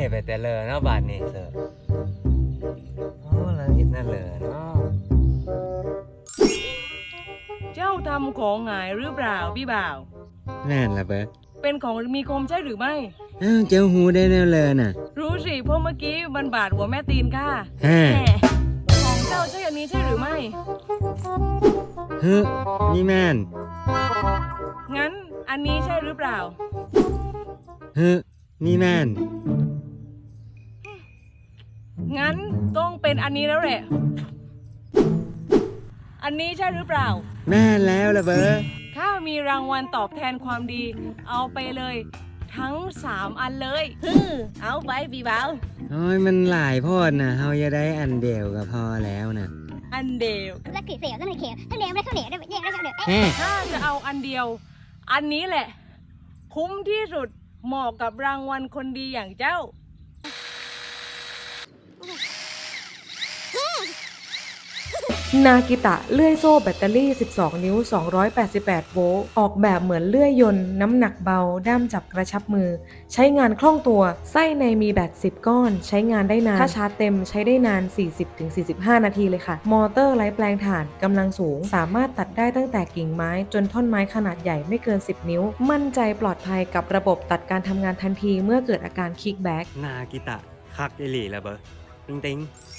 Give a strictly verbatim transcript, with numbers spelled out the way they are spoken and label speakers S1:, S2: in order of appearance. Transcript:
S1: ไปแต่เลยเนาะบาทนี่เสิร์ฟโอ้ละนิดนั่นเลยเนาะ
S2: เจ้าทำของหายหรือเปล่าพี่บ่าว
S1: นั่นละเบ้อ
S2: เป็นของมีคมใช่หรือไม่
S1: อ้าวเจ้าหูได้แน่เลยน่ะ
S2: รู้สิเพราะเมื่อกี้มันบาดหัวแม่ตีนค่ะ
S1: ฮะ
S2: แหมของเจ้าใช่อันนี้ใช่หรือไม่
S1: เฮ้ยนี่แม่น
S2: งั้นอันนี้ใช่หรือเปล่า
S1: เฮ้ยนี่แม่น
S2: งั้นต้องเป็นอันนี้แล้วแหละ อันนี้ใช่หรือเปล่า
S1: แม่นแล้วละเบ้อ
S2: ข้ามีรางวัลตอบแทนความดี เอาไปเลย ทั้งสามอันเลยฮึมเอาไปพี่บ่าว
S1: โอ้ยมันหลายโพอดนะเฮาจะได้อันเดียวก็พอแล้วนะ
S2: อันเดียว
S3: รักสีเสียวต้องในเขียวถ้าเลี้ยงไม่ข้าวเหนียวได้แยกได้ข้าวเหนียว
S1: แฮ่
S2: ถ้าจะเอาอันเดียว อันนี้แหละ คุ้มที่สุดเหมาะกับรางวัลคนดีอย่างเจ้า
S4: นากิตะเลื่อยโซ่แบตเตอรี่ สิบสอง นิ้ว สองร้อยแปดสิบแปด โวลต์ ออกแบบเหมือนเลื่อยยนต์ น้ำหนักเบา ด้ามจับกระชับมือ ใช้งานคล่องตัว ไส้ในมีแบต สิบ ก้อน ใช้งานได้นาน ถ้าชาร์จเต็มใช้ได้นาน สี่สิบถึงสี่สิบห้า นาทีเลยค่ะ มอเตอร์ไร้แปลงถ่านกำลังสูง สามารถตัดได้ตั้งแต่กิ่งไม้ จนท่อนไม้ขนาดใหญ่ไม่เกิน สิบ นิ้ว มั่นใจปลอดภัยกับระบบตัดการทำงานทันทีเมื่อเกิดอาการคิกแบ็ก
S1: นากิตะคักอิหลีละเบ้อติงติง